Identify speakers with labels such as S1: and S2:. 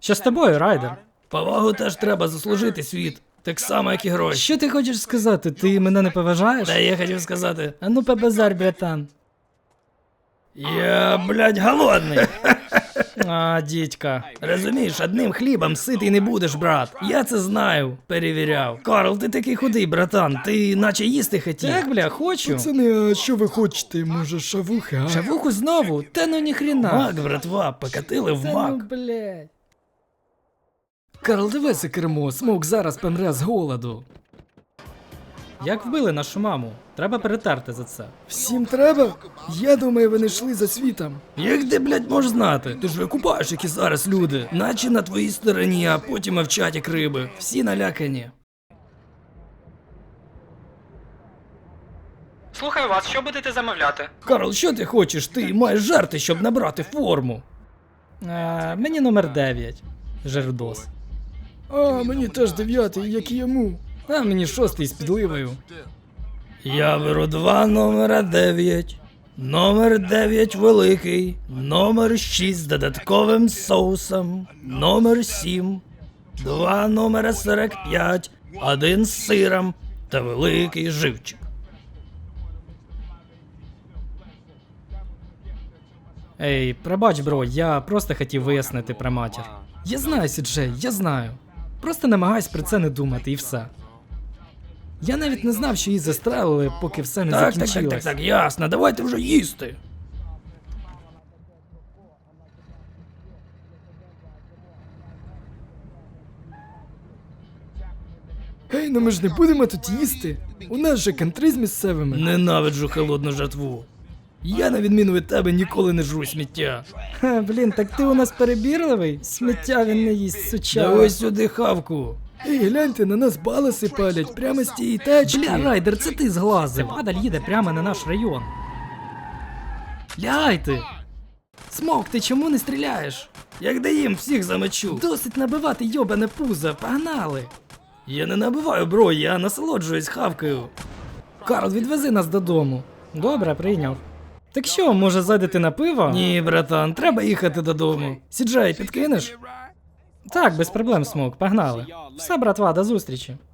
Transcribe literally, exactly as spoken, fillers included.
S1: Що з тобою, Райдер?
S2: Повагу теж треба заслужити, світ. Так само, як і гроші.
S1: Що ти хочеш сказати? Ти мене не поважаєш?
S2: Та я хотів сказати,
S1: А ну побазарь, братан.
S2: я, блядь, голодний.
S1: А, дідька.
S2: Розумієш, одним хлібом ситий не будеш, брат. Я це знаю, перевіряв. Карл, ти такий худий, братан, ти наче їсти хотів.
S1: Так, бля, хочу.
S3: Пацани, а що ви хочете? Може, шавухи, а?
S1: Шавуху знову? Та ну ніхрена.
S2: Мак, братва, покатили в
S1: Та ну,
S2: мак.
S1: блядь.
S3: Карл, дивися кермо, Смок зараз помре з голоду.
S1: Як вбили нашу маму? Треба перетерти за це.
S3: Всім треба? Я думаю, вони йшли за світом.
S2: Як ти, блядь, можеш знати? Ти ж викупаєш, які зараз люди. Наче на твоїй стороні, а потім мовчать як риби. Всі налякані.
S1: Слухаю вас, що будете замовляти?
S2: Карл, що ти хочеш? Ти маєш жарти, щоб набрати форму.
S1: Е, мені номер дев'ять. Жердос.
S3: А, мені теж дев'ятий, як і йому.
S1: А мені шостий з підливою.
S2: Я беру два номера дев'ять. Номер дев'ять великий. Номер шість з додатковим соусом. Номер сім. Два номера сорок п'ять. Один з сиром. Та великий живчик.
S1: Ей, пробач, бро, я просто хотів вияснити про матір. Я знаю, Сіджей, я знаю. Просто намагайся про це не думати і все. Я навіть не знав, що її застрелили, поки все не
S2: Так, так,
S1: закінчилось.
S2: так, так, так, ясно. Давайте вже їсти.
S3: Ей, ну ми ж не будемо тут їсти. У нас же кантри з місцевими.
S2: Ненавиджу холодну жатву. Я, на відміну від тебе, ніколи не жру сміття.
S1: Ха, блін, так ти у нас перебірливий? Сміття він не їсть, суча.
S2: Давай сюди хавку.
S3: Ей, гляньте, на нас баласи палять прямо з тієї тачки.
S1: Бля, Райдер, це ти зглазив. Падаль їде прямо на наш район. Лягайте! Смок, ти чому не стріляєш?
S2: Як даїм, всіх замочу.
S1: Досить набивати йобане пузо, погнали!
S2: Я не набиваю, бро, я насолоджуюсь хавкою.
S1: Карл, відвези нас додому. Добре, прийняв. Так що, може зайдете на пиво?
S2: Ні, братан, треба їхати додому. Сіджай, підкинеш?
S1: Так, без проблем, Смок, погнали. Все, братва, до зустрічі.